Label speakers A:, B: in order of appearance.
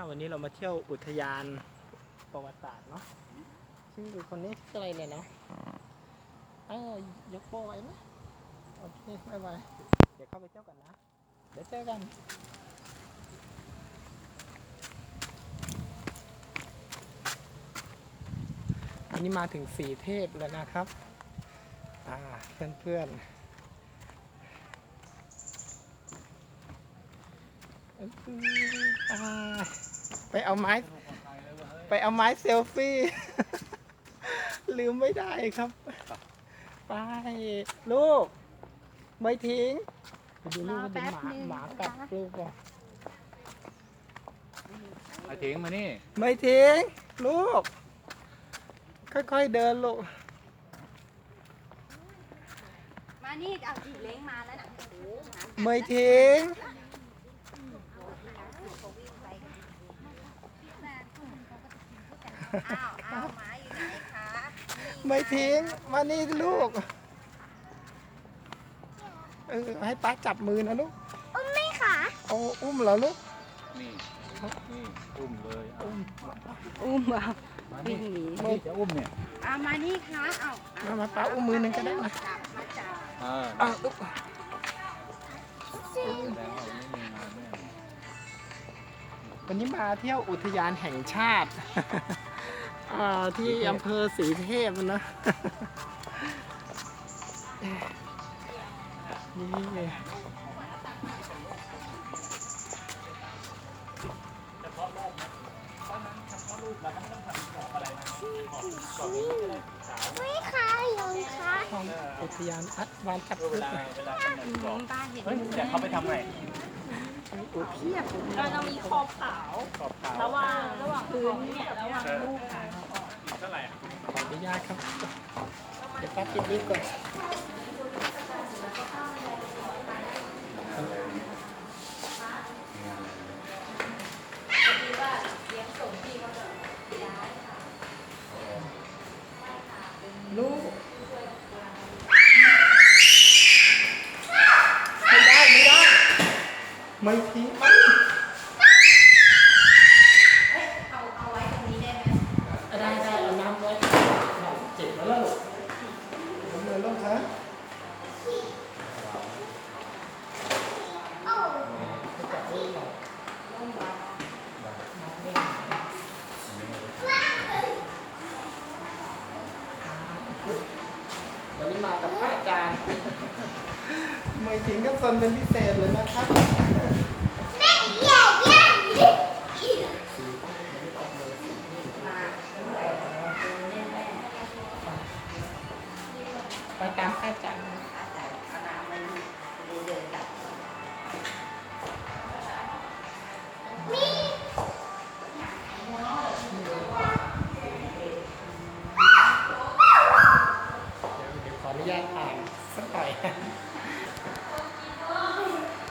A: วันนี้เรามาเที่ยวอุทยานประวัติศาสตร์เนาะซึ่งคนนี้ชื่ออะไรเนี่ยเนาะยกโป้ไว้ไหมโอเคไม่ไหวเดี๋ยวเข้าไปเที่ยวกันนะเดี๋ยวเจอกันอันนี้มาถึงสีเทพแล้วนะครับเพื่อนไปเอาไม้เซลฟี่ ลืมไม่ได้ครับไปลูกไม่ทิ้งไปดูลูกมันเป็นหมากัดลูกก่อน
B: ไม่ทิ้งมานี่
A: ไม่ทิ้งลูกค่อยๆเดินลูก
C: มานี่เอาจีเล้งมาแล้วนะ
A: ไม่ทิ้ง
C: อ้าวหมาอยู่ไหนคะ
A: ไม่ทิ้งมานี่ลูกให้ป้าจับมือนะลูก
C: อุ้มไหมคะ
A: อุ้มเหรอลูก
B: นี่อุ้มเลย
C: อุ้มอ่ะวิ่งหนี
B: นี่จะอุ้มเนี่ย
C: มานี่คะ
A: มาป้าอุ้มมือหนึ่งก็ได้นะ
C: จับ
A: ลูกวันนี้มาเที่ยวอุทยานแห่งชาติที่อำเภอศรีเทพนะนี่
C: ไม่ค่ะยงค่ะ
A: ของอุทยานวานจับ
B: เวลา
C: ป้าเห็น
B: แต่เขาไปทำไง
C: เพียบเราจะมีขอบขาวระหว่างพื้นเนี่ยระหว่างลูกค่ะ
B: เท่าไหร่
A: ขออนุญาตครับเดี๋ยวป้าปิดลิฟต์ก่อนลูกไม่ได้ไม่ทิ้ง
C: เอาไว้ตรงนี้ได้ไหม
A: ได้เอาน้ำไว้เจ็บแล้วลูกผมเลยลูกฮะวันนี้มากับพระอาจารย์ไม่ทิ้งกับซนเป็นพิเศษเลยนะครับไปตามอาจารย์ขออนุญาตอ่านสักหน่อย